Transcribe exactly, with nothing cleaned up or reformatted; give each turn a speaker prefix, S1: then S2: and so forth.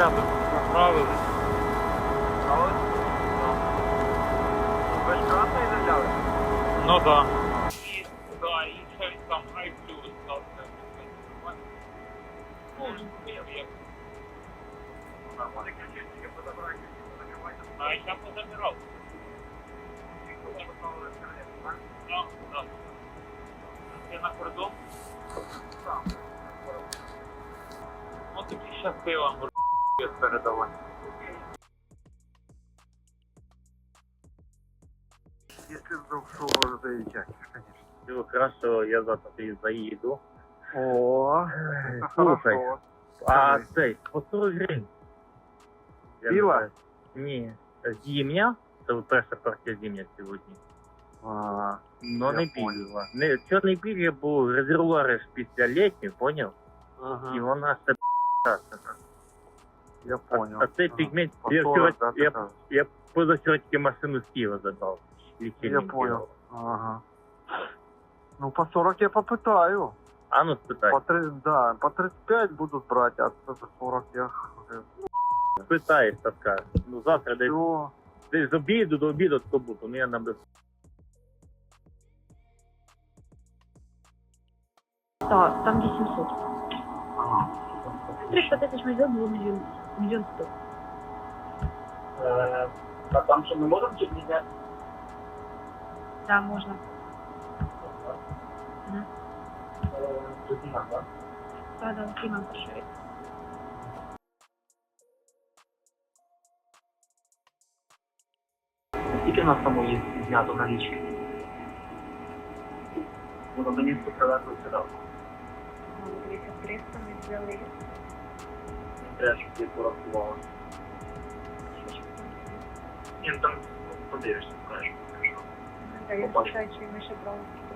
S1: порядок, направили.
S2: А ось? Ви ж красний заляли?
S1: Ну да. І, да, і щось там Ай плюс, так, це ну, я, я.
S2: Нормально.
S1: А я позабирав. Да, да. Ти на кордон? Ну тобі щас пиво передавай.
S2: Если вдруг что, заезжать, конечно.
S3: Все хорошо, я завтра ты заеду.
S2: О,
S3: Слушай,
S2: хорошо.
S3: а цей, по сорок гривень. Я не
S2: Пиво?
S3: знаю. Ні. Зимня? Це перша партія зимня сьогодні.
S2: А,
S3: Но
S2: Я
S3: не
S2: понял.
S3: пільгова. Не, чорний пільги, бо резервуари ж після літніх, поняв?
S2: ага,
S3: І вона все п***ана.
S2: я
S3: А,
S2: понял.
S3: а цей
S2: Ага.
S3: пігмент,
S2: По
S3: я
S2: сорок,
S3: вчора,
S2: да, ты
S3: я,
S2: кажешь?
S3: я позавчора тільки машину з Києва забрав.
S2: Я понял. Ага. Ну, по сорок я попытаю.
S3: А ну спитай.
S2: По три, да, по тридцать пять будут брать, а за сорок я...
S3: Спитаєш, та скажеш. Ну завтра десь,
S2: Все.
S3: десь з обіду до обіду то буду, ну я набив.
S4: Так, там вісімсот.
S2: Ага.
S4: триста тисяч мільйон було мільйон, мільйон сто.
S3: А там що ми можемо чи не?
S4: Так, можна. Мгм. Так, да, Кліман перший.
S5: Скільки в нас там є знято налічки? Воно мені привезли сюди.
S4: Дивіться, триста ми взяли.
S5: Треба, щоб ти порахувала. Ні, ну там ну, подивишся, скажеш.
S4: Так, я
S5: Побачу.
S4: спитаю, чи ми ще брали.